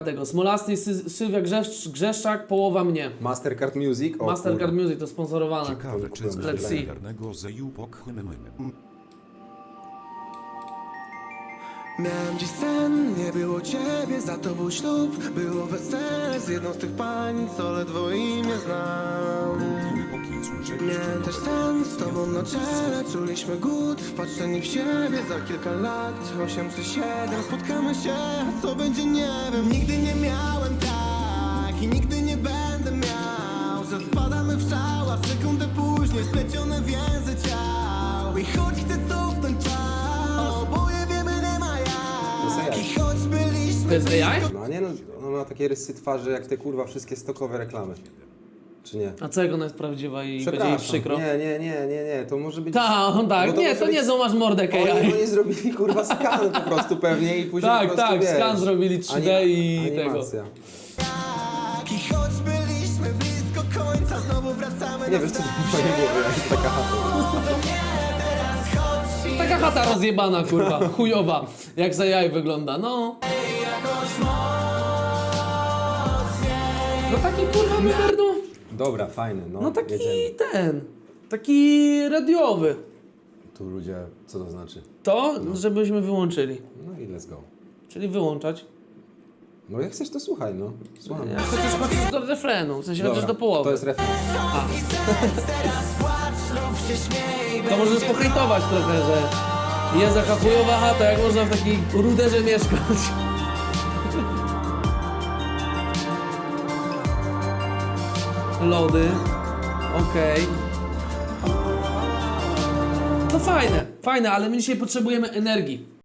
tego. Smolasty, Sylwia Grzeszczak, połowa mnie. Mastercard Music? O, Mastercard kurwa. Music to sponsorowane. Ciekawe, czy Let's z see. legendarnego Zejupok Miałem dziś sen, nie było ciebie, za to był ślub. Było wesele z jedną z tych pań, co ledwo imię znam. Miałem też sen z tobą na czele, czuliśmy głód, wpatrzeni w siebie. Za kilka lat, 8 czy 7, spotkamy się, a co będzie nie wiem. Nigdy nie miałem tak i nigdy nie będę miał, że wpadamy w szał, a sekundę później splecione więzy ciał. I choć chcę cofnąć czas, oboje wiemy nie ma jak. I choć byliśmy To jest AI? No nie no, ona ma takie rysy twarzy jak te kurwa wszystkie stokowe reklamy. Czy nie? A co jak ona jest prawdziwa i będzie jej Przepraszam. przykro? Nie, to może być... Tak, Bo to nie, może to być- nie są masz mordę Oni AI. zrobili kurwa skan po prostu pewnie i później Tak, po prostu, tak, wiesz, skan zrobili 3D i tego. animacja. I choć byliśmy blisko końca, znowu wracamy Nie wiesz co w mojej głowie, jak taka chata. Taka chata rozjebana, kurwa, chujowa. Jak za jaj wygląda, no. No taki kurwa numer, no. Dobra, fajny, no, No taki jedziemy. taki radiowy. Tu ludzie, co to znaczy? To, żebyśmy wyłączyli. No i let's go. Czyli wyłączać. No jak chcesz to słuchaj, no. Słucham. Ja chociaż do refrenu, w sensie chociaż do połowy. To jest refren. To możesz pohejtować trochę, że jest taka chujowa chata, jak można w takiej ruderze mieszkać. Lody. Okej. To fajne, ale my dzisiaj potrzebujemy energii.